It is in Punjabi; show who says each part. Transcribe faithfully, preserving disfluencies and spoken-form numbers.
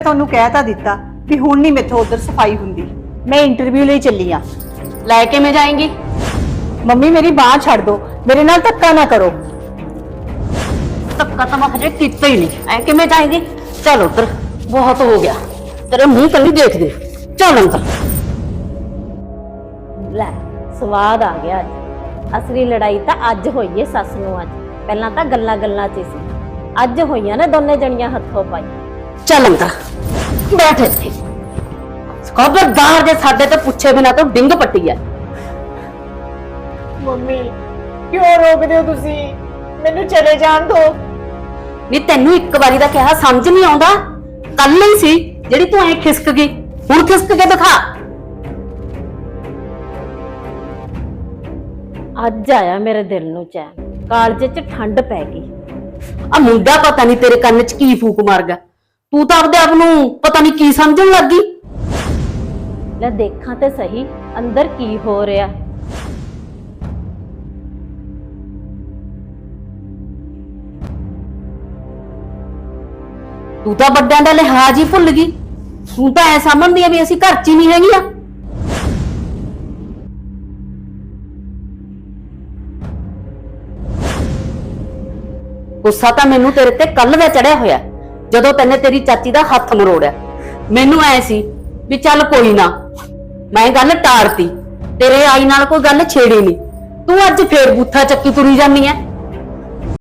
Speaker 1: ਤੁਹਾਨੂੰ ਕਹਿ ਤਾਂ ਦਿੱਤਾ ਵੀ ਹੁਣ ਨਹੀਂ ਮੈਥੋਂ ਉਧਰ ਸਫਾਈ ਹੁੰਦੀ। ਮੈਂ ਇੰਟਰਵਿਊ ਲਈ ਚੱਲੀ ਆ।
Speaker 2: ਲੈ ਕੇ ਮੈਂ ਜਾਏਂਗੀ?
Speaker 1: ਮੰਮੀ ਮੇਰੀ ਬਾਹ ਛੱਡ ਦੋ, ਮੇਰੇ ਨਾਲ ਧੱਕਾ ਨਾ ਕਰੋ।
Speaker 2: ਧੱਕਾ ਤਾਂ ਮੈਂ ਹਜੇ ਕੀਤਾ ਹੀ ਨਹੀਂ, ਐ ਕਿਵੇਂ ਜਾਏਂਗੀ? चल उधर, बहुत हो गया, तेरे मुंह कल देख दे। चल अंदर।
Speaker 3: ਲੈ ਸਵਾਦ ਆ ਗਿਆ ਅੱਜ। ਅਸਲੀ ਲੜਾਈ ਤਾਂ ਅੱਜ ਹੋਈ ਏ ਸੱਸ ਨੂੰ ਅੱਜ। ਪਹਿਲਾਂ ਤਾਂ ਗੱਲਾਂ ਗੱਲਾਂ 'ਚ ਸੀ, ਅੱਜ ਹੋਈਆਂ ਨੇ ਦੋਨੇ ਜਣੀਆਂ ਹੱਥੋਂ ਪਾਈ।
Speaker 2: चल अंदर बैठ इत्थे। खबरदार जे साडे तो पुछे बिना तो डिंग पट्टी है।
Speaker 1: ਮੰਮੀ ਕਿਉਂ ਰੋਕਦੇ ਹੋ ਤੁਸੀਂ? ਮੈਨੂੰ ਚਲੇ ਜਾਣ ਦਿਓ।
Speaker 2: ਨੀ ਤੈਨੂੰ ਇੱਕ ਵਾਰੀ ਦਾ ਕਿਹਾ ਸਮਝ ਨਹੀਂ ਆਉਂਦਾ? ਕੱਲ ਹੀ ਸੀ ਜਿਹੜੀ ਤੂੰ ਐ ਖਿਸਕ ਗਈ, ਹੁਣ ਖਿਸਕ ਕੇ ਦਿਖਾ।
Speaker 3: ਅੱਜ ਆਇਆ ਮੇਰੇ ਦਿਲ ਨੂੰ ਚੈਨ, ਕਾਲਜੇ 'ਚ ਠੰਡ ਪੈ ਗਈ।
Speaker 2: ਆ ਮੁੰਡਾ ਪਤਾ ਨਹੀਂ ਤੇਰੇ ਕੰਨ 'ਚ ਕੀ ਫੂਕ ਮਾਰ ਗਿਆ, ਤੂੰ ਤਾਂ ਆਪਦੇ ਆਪ ਨੂੰ ਪਤਾ ਨਹੀਂ ਕੀ ਸਮਝਣ ਲੱਗ ਗਈ।
Speaker 3: ਲੈ ਦੇਖਾਂ ਤੇ ਸਹੀ ਅੰਦਰ ਕੀ ਹੋ ਰਿਹਾ।
Speaker 2: ਤੂੰ ਤਾਂ ਵੱਡਿਆਂ ਦਾ ਲਿਹਾਜ਼ ਹੀ ਭੁੱਲ ਗਈ। ਤੂੰ ਤਾਂ ਐ ਸਮਝਦੀ ਆ ਵੀ ਅਸੀਂ ਘਰ 'ਚ ਹੀ ਨਹੀਂ ਹੈਗੀਆਂ। ਗੁੱਸਾ ਤਾਂ ਮੈਨੂੰ ਤੇਰੇ ਤੇ ਕੱਲ ਦਾ ਚੜਿਆ ਹੋਇਆ, ਜਦੋਂ ਤੈਨੇ ਤੇਰੀ ਚਾਚੀ ਦਾ ਹੱਥ ਮਰੋੜਿਆ। ਮੈਨੂੰ ਐ ਸੀ ਵੀ ਚੱਲ ਕੋਈ ਨਾ, ਮੈਂ ਗੱਲ ਟਾਰਤੀ, ਤੇਰੇ ਆਈ ਨਾਲ ਕੋਈ ਗੱਲ ਛੇੜੀ ਨਹੀਂ। ਤੂੰ ਅੱਜ ਫੇਰ ਬੂਥਾ ਚੱਕੀ ਤੁਰੀ ਜਾਂਦੀ ਐ।